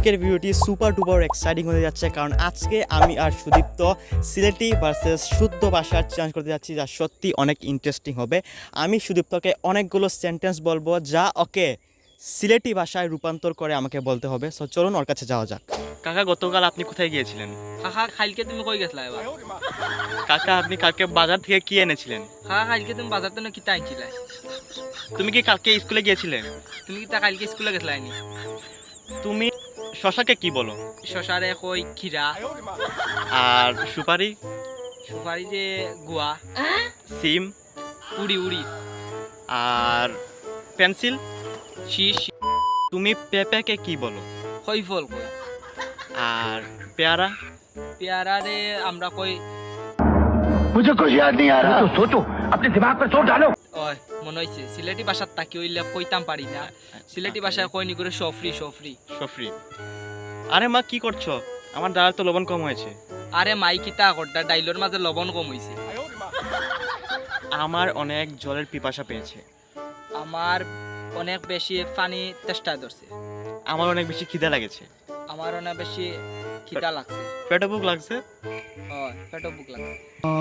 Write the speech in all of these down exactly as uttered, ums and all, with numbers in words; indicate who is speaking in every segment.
Speaker 1: আজকের ভিডিওটি super duper exciting হতে যাচ্ছে, কারণ আজকে আমি আর সুদীপ্ত সিলেটি ভার্সেস শুদ্ধ ভাষার চ্যালেঞ্জ করতে যাচ্ছি, যা সত্যি অনেক ইন্টারেস্টিং হবে। আমি সুদীপ্তকে অনেকগুলো সেন্টেন্স বলবো, যা ওকে সিলেটি ভাষায় রূপান্তর করে আমাকে বলতে হবে। সো চলুন ওর কাছে যাওয়া যাক। কাকা, গতকাল আপনি কোথায় গিয়েছিলেন?
Speaker 2: কাকা কালকে তুমি কই গেছলা এবার?
Speaker 1: কাকা, আপনি কালকে বাজার থেকে কি এনেছিলেন?
Speaker 2: কাকা কালকে তুমি বাজার থেকে কিতা আনছিলা?
Speaker 1: তুমি কি কালকে স্কুলে গিয়েছিলেন?
Speaker 2: তুমি কি তা কালকে স্কুলে গেছলা নি?
Speaker 1: তুমি শশাকে কি বলো?
Speaker 2: শশারে কই খিরা,
Speaker 1: আর সুপারি?
Speaker 2: সুপারি যে গুয়া,
Speaker 1: সিম?
Speaker 2: উড়ি উড়ি,
Speaker 1: আর পেন্সিল?
Speaker 2: শীষ।
Speaker 1: তুমি পেঁপেকে কি বলো?
Speaker 2: কই ফল কই।
Speaker 1: আর পেয়ারা?
Speaker 2: পেয়ারারে আমরা কই
Speaker 3: मुझे कुछ याद नहीं आ रहा। तो सोचो, अपने दिमाग पर जोर डालो।
Speaker 2: ওই মনে হইছে সিলেটি ভাষার তাকি হইলে কইতাম পারি না। সিলেটি ভাষায় কই নি করে সফরি সফরি
Speaker 1: সফরি। আরে মা, কি করছো? আমার ডাল তো লবণ কম হয়েছে।
Speaker 2: আরে মাই কিতা করটা, ডাইলর মাঝে লবণ কম হইছে।
Speaker 1: আমার অনেক জলের পিপাসা পেয়েছে।
Speaker 2: আমার অনেক বেশি পানি তেষ্টা ধরছে।
Speaker 1: আমার অনেক বেশি খিদে লাগেছে।
Speaker 2: আমার অনেক বেশি খিদা লাগছে।
Speaker 1: পেটে বুক লাগছে।
Speaker 2: ও পেটও বুক লাগছে।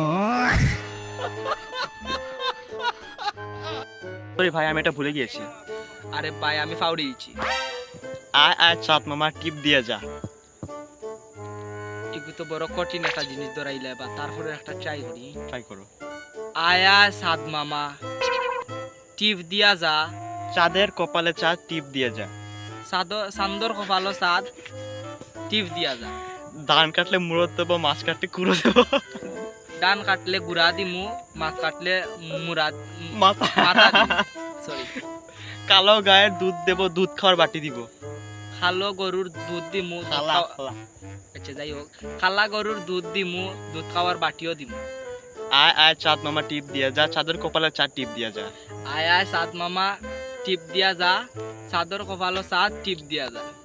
Speaker 1: সরি ভাই, আমি এটা ভুলে গিয়েছি।
Speaker 2: আরে ভাই আমি ফাউরি দিচ্ছি।
Speaker 1: আয় আয় চাঁদ মামা, টিপ দিয়ে যা।
Speaker 2: এগুলো তো বড় কঠিন একটা জিনিস ধরাইলে, বা তারপরে একটা ট্রাই করি।
Speaker 1: ট্রাই করো।
Speaker 2: আয়া সাদ মামা, টিপ দিয়া যা।
Speaker 1: চাঁদের কপালে চাঁদ, টিপ দিয়ে যা।
Speaker 2: সাদ সান্দর কপালো সাদ, টিপ দিয়া যা।
Speaker 1: ধান কাটলে মুড়ো দেবো, মাছ কাটলে কুড়ো দেবো।
Speaker 2: ডান কাটলে গুড়া দিমু, মাছ কাটলে মুরা
Speaker 1: মাথা
Speaker 2: মাথা সরি।
Speaker 1: কালো গায়ের দুধ দেবো, দুধ খাওয়ার বাটি দিব।
Speaker 2: খালো গরুর দুধ দিমু, দুধ
Speaker 1: খালা
Speaker 2: খাওয়া-
Speaker 1: খালা।
Speaker 2: আচ্ছা যাই হোক, খালা গরুর দুধ দিমু, দুধ খাওয়ার বাটিও দিমু।
Speaker 1: আয় আয় চাঁদ মামা, টিপ দিয়ে যা। চাঁদের কপালে চাঁদ, টিপ দিয়ে যা।
Speaker 2: আয় আয় সাদ মামা, টিপ দিয়া যা। সাদর কপালো সাদ, টিপ দিয়া যা।